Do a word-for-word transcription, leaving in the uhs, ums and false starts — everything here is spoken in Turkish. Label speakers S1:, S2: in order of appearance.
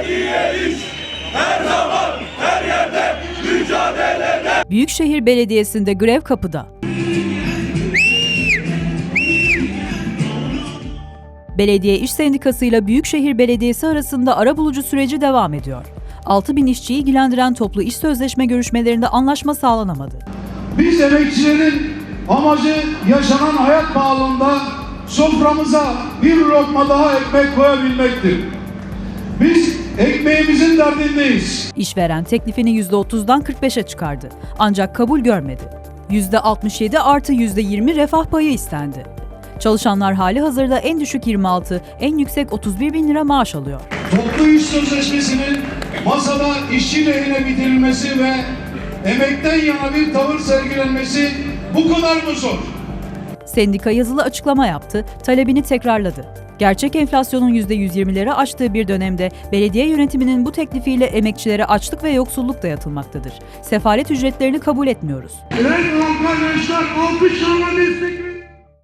S1: Belediye iş her zaman her yerde mücadelede.
S2: Büyükşehir Belediyesi'nde grev kapıda. Belediye İş Sendikası ile Büyükşehir Belediyesi arasında arabulucu süreci devam ediyor. altı bin işçiyi ilgilendiren toplu iş sözleşme görüşmelerinde anlaşma sağlanamadı.
S3: Biz emekçilerin amacı yaşanan hayat pahalılığında soframıza bir lokma daha ekmek koyabilmektir. Biz ekmeğimizin derdindeyiz.
S2: İşveren teklifini yüzde otuzdan kırk beşe çıkardı. Ancak kabul görmedi. yüzde altmış yedi artı yüzde yirmi refah payı istendi. Çalışanlar hali hazırda en düşük yirmi altı, en yüksek otuz bir bin lira maaş alıyor.
S3: Toplu iş sözleşmesinin masada işçi lehine bitirilmesi ve emekten yana bir tavır sergilenmesi bu kadar mı zor?
S2: Sendika yazılı açıklama yaptı, talebini tekrarladı. Gerçek enflasyonun yüzde yüz yirmileri aştığı bir dönemde belediye yönetiminin bu teklifiyle emekçilere açlık ve yoksulluk dayatılmaktadır. Sefalet ücretlerini kabul etmiyoruz.
S3: Evet arkadaşlar, alkışlarla destek verin.